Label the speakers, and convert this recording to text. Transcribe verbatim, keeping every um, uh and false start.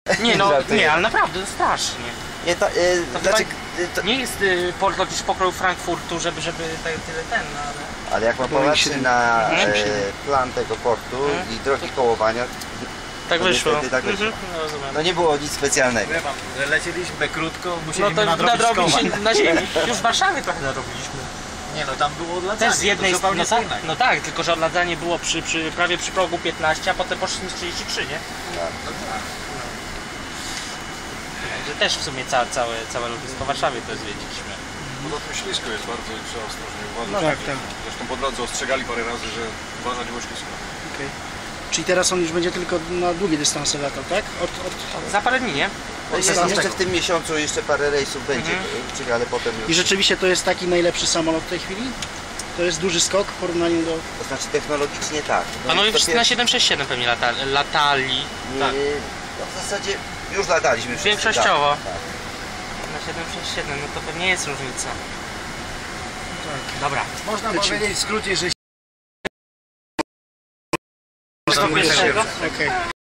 Speaker 1: Nie no,
Speaker 2: Żartuję.
Speaker 1: nie, ale naprawdę strasznie.
Speaker 2: Nie, to, y,
Speaker 1: To
Speaker 2: znaczy,
Speaker 1: chyba
Speaker 2: y, to,
Speaker 1: nie jest y, port lotniczy pokroju Frankfurtu, żeby, żeby tak, tyle ten, no ale...
Speaker 2: ale jak pan
Speaker 3: Boeing
Speaker 2: popatrzy
Speaker 3: siedem-
Speaker 2: na
Speaker 1: Mhm.
Speaker 2: e, plan tego portu
Speaker 1: Mhm.
Speaker 2: i drogi kołowania,
Speaker 1: Tak
Speaker 2: to
Speaker 1: wyszło.
Speaker 2: niestety tak wyszło.
Speaker 1: Mhm, no, rozumiem.
Speaker 2: no nie było nic specjalnego.
Speaker 4: Wie pan, że lecieliśmy krótko,
Speaker 1: No
Speaker 4: musieliśmy
Speaker 1: to
Speaker 4: nadrobić
Speaker 1: nadrobić
Speaker 4: koła.
Speaker 1: się na ziemi. Już w Warszawie trochę nadrobiliśmy.
Speaker 4: Nie no, tam było odladzanie,
Speaker 1: Też z jednej
Speaker 4: to zupełnie
Speaker 1: no, tak,
Speaker 4: co innego.
Speaker 1: no tak, tylko że odladzanie było przy, przy, prawie przy progu piętnaście, a potem poszliśmy z trzydzieści trzy, nie? Także też w sumie całe, całe, całe lotnisko w Warszawie to zwiedziliśmy.
Speaker 5: Poza tym ślisko jest bardzo i trzeba ostrożnie uważać.
Speaker 3: No tak, tak.
Speaker 5: Zresztą po drodze ostrzegali parę razy, że uważać, bo ślisko.
Speaker 3: Okay. Czyli teraz on już będzie tylko na długie dystanse latał, tak? Od, od...
Speaker 1: Za parę dni, nie?
Speaker 2: No jest,
Speaker 3: Zostało
Speaker 2: jeszcze
Speaker 3: tego.
Speaker 2: w tym miesiącu jeszcze parę rejsów będzie,
Speaker 1: Mhm.
Speaker 2: ale potem już...
Speaker 3: I rzeczywiście to jest taki najlepszy samolot w tej chwili? To jest duży skok w porównaniu do...
Speaker 2: To znaczy technologicznie tak. No
Speaker 1: Panowie
Speaker 2: jest to
Speaker 1: na
Speaker 2: pier-
Speaker 1: siedem sześć siedem pewnie lata, latali.
Speaker 2: nie,
Speaker 1: Tak.
Speaker 2: no w zasadzie już lataliśmy wszyscy.
Speaker 1: Większościowo.
Speaker 2: Tak, tak.
Speaker 1: Na siedem sześć siedem, no to pewnie jest różnica. Dobra.
Speaker 4: Można
Speaker 3: Lecimy.
Speaker 4: powiedzieć w skrócie, że
Speaker 1: Do pierwszego?
Speaker 3: Okej.